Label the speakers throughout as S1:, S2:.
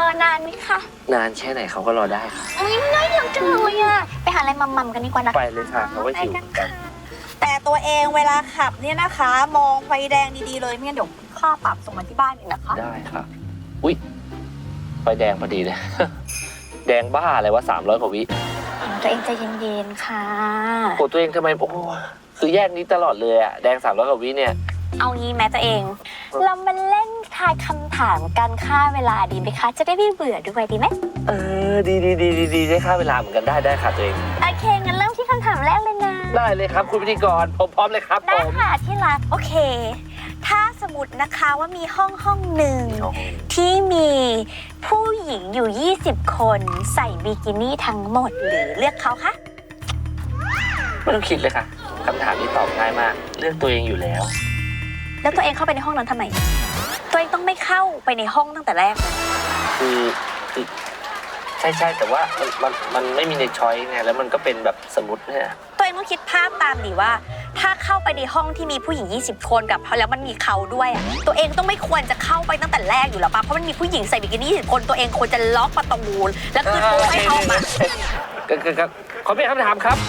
S1: อนานไหมคะ
S2: นานแค่ไหนเขาก็รอได้ค่ะ
S1: ง่ายเดียวจังเลยอะไปหาอะไรมัมๆกันดีกว่านะ
S2: ไปเลยค่ะเขาก็หิวเหมือนกัน
S3: แต่ตัวเองเวลาขับเนี่ยนะคะ มองไฟแดงดีๆเลยไม่งั้นเดี๋ยวค่าปรับส่งมาที่บ้านเองนะคะ
S2: ได้ค่ะอุ๊ยไฟแดงพอดีเลย แดงบ้าอะไรวะ300 กว่าวิ
S1: ตัวเองใจเย็นๆค่ะ
S2: โอ้ตัวเองทำไมโอ้คือแยกนี้ตลอดเลยอะแดง300 กว่าวิเนี่ย
S1: เอางี้แม้ตัวเอง เรามาเล่นทายคำถามกันค่าเวลาดีไหมคะ จะได้ไม่เบื่อด้วยดีไหม
S2: ดีได้ค่าเวลาเหมือนกันได้ค่ะตัวเอง
S1: โอเคงั้นเริ่มที่คำถามแรกเลยนะ
S2: ได้เลยครับคุณพิธีกรผมพร้อมเลยครับ
S1: ได้
S2: ผม
S1: ค่ะที่รักโอเค ถ้าสมมตินะคะว่ามีห้องหนึ่งที่มีผู้หญิงอยู่ 20 คนใส่บิกินี่ทั้งหมดหรือเลือกเขาคะ
S2: ไม่ต้องคิดเลยค่ะคำถามนี้ตอบง่ายมากเลือกตัวเองอยู่แล้ว
S1: แล้วตัวเองเข้าไปในห้องนั้นทำไม ตัวเองต้องไม่เข้าไปในห้องตั้งแต่แรกเลย
S2: คือใช่แต่ว่ามันไม่มีในช้อยไงแล้วมันก็เป็นแบบสมมติเนี่ย
S1: ตัวเองต้องคิดภาพตามดิว่า ถ้าเข้าไปในห้องที่มีผู้หญิง 20 คนกับแล้วมันมีเขาด้วยอะตัวเองต้องไม่ควรจะเข้าไปตั้งแต่แรกอยู่แล้วป่ะเพราะมันมีผู้หญิงใส่บิกินี่20 คนตัวเองควรจะล็อกประตูแล้วคือตัวให้เข้ามา
S2: ก็ขอเปลี่ยนคำถามครับ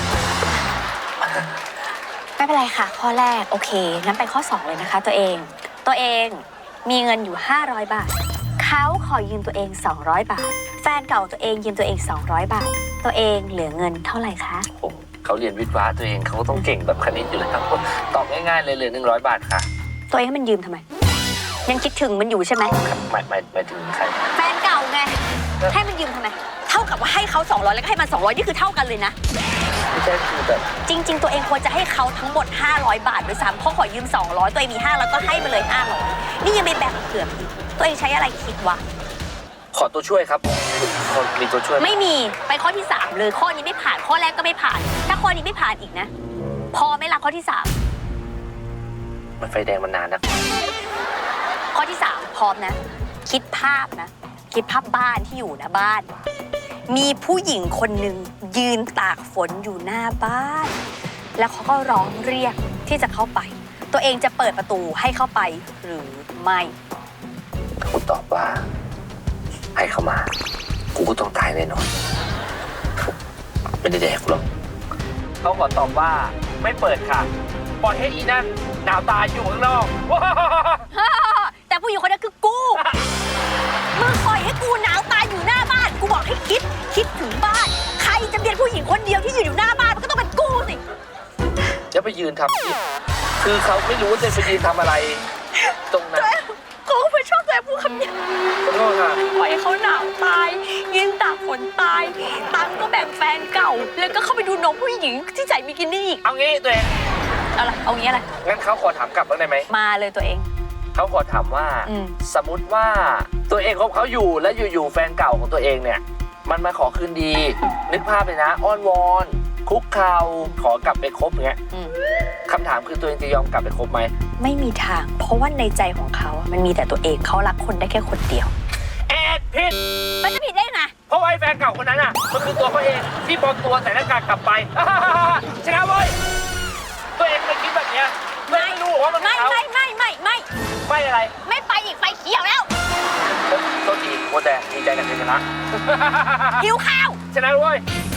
S1: ไม่เป็นไรค่ะ ข้อแรกโอเคงั้นไปข้อ 2 เลยนะคะ ตัวเองมีเงินอยู่ 500 บาทเขาขอยืมตัวเอง 200 บาท แฟนเก่าตัวเองยืมตัวเอง 200 บาท ตัวเองเหลือเงินเท่าไหร่คะ
S2: โอ้เขาเรียนวิทย์วะตัวเองเขาต้องเก่งแบบคณิตอยู่แล้วตอบง่ายๆเลยเหลือ100 บาทค่ะ
S1: ตัวเองให้มันยืมทำไม ยังคิดถึงมันอยู่ใช่ไหม
S2: ครับหมายถึงใคร
S1: แฟนเก่าไงให้มันยืมทำไมเท่ากับว่าให้เขา200แล้วก็ให้มัน200นี่คือเท่ากันเลยนะ
S2: ไม่ใช่คือแบบ
S1: จริง ๆ ตัวเองควรจะให้เขาทั้งหมด500 บาทด้วยซ้ำเขาขอยืม200ตัวเองมี500ก็ให้มาเลย500นี่ยังไม่แบ่งเผื่ออีกตัวเองใช้อะไรคิดวะ
S2: ขอตัวช่วยครับมีตัวช่วยไหม
S1: ไม่มีไปข้อที่ 3 เลยข้อนี้ไม่ผ่านข้อแรกก็ไม่ผ่าน ถ้าข้อนี้ไม่ผ่านอีกนะ พอไหม่ละข้อที่
S2: มันไฟแดงมันนานนะ
S1: 3 ข้อที่ 3 พร้อมนะ คิดภาพนะ คิดภาพบ้านที่อยู่นะบ้าน มีผู้หญิงคนหนึ่งยืนตากฝนอยู่หน้าบ้าน แล้วเขาก็ร้องเรียกที่จะเข้าไป ตัวเองจะเปิดประตูให้เข้าไปหรือไม่
S2: กูตอบว่า ให้เขามากูก็ต้องตายแน่นอนไม่ได้แดกหรอกเขาขอตอบว่าไม่เปิดค่ะปล่อยให้อีนั่นหนาวตายอยู่ข้างนอก
S1: แต่ผู้หญิงคนนั้นคือกู มึงปล่อยให้กูหนาวตายอยู่หน้าบ้าน กูบอกให้คิดถึงบ้าน ใครจะเป็นผู้หญิงคนเดียวที่อยู่หน้าบ้านมันก็ต้องเป็นกูสิ
S2: จะไปยืนทำคือเขาไม่รู้ว่าจะไปยืนทำอะไร ตรงนั้น
S1: กูไม่ชอบแต่พูดคำนี้
S2: ขอโทษค่ะ
S1: ปล่อยให้เขาหนาวตาย ยืนตากฝนตาย ตังค์ก็แบ่งแฟนเก่า แล้วก็เข้าไปดูน้องผู้หญิงที่ใส่บิกินี่อีก
S2: เอางี้ตัวเอง
S1: อะไรเอางี้อะไร
S2: งั้นเขาขอถามกลับบ้างได้ไหม
S1: มาเลยตัวเอง
S2: เขาขอถามว่า
S1: อืม
S2: สมมติว่าตัวเองคบเขาอยู่แล้วอยู่ๆแฟนเก่าของตัวเองเนี่ย มันมาขอคืนดี นึกภาพเลยนะอ้อนวอนคุกเข่าขอกลับไปคบเงี้ย
S1: อืม
S2: คำถามคือตัวเองจะยอมกลับไปคบไหม
S1: ไม่มีทาง เพราะว่าในใจของเขาอะมันมีแต่ตัวเองเขารักคนได้แค่คนเดียว
S2: แอดผิด
S1: มันจะผิดได้ไง
S2: เพราะว่าไอ้แฟนเก่าคนนั้นอ่ะมันคือตัวเขาเองที่ปลอมตัวใส่หน้ากากกลับไป ชนะเว้ยตัวเองไม่คิดแบบเนี้ยไม่รู้ว่ามัน
S1: ไม่
S2: เขา
S1: ไม่
S2: อะไร
S1: ไม่ไปอีกไฟเขียวแล้ว
S2: โทษทีโคตรแดงดีใจกับชัยชนะ
S1: หิวข้าว
S2: ชนะเว้ย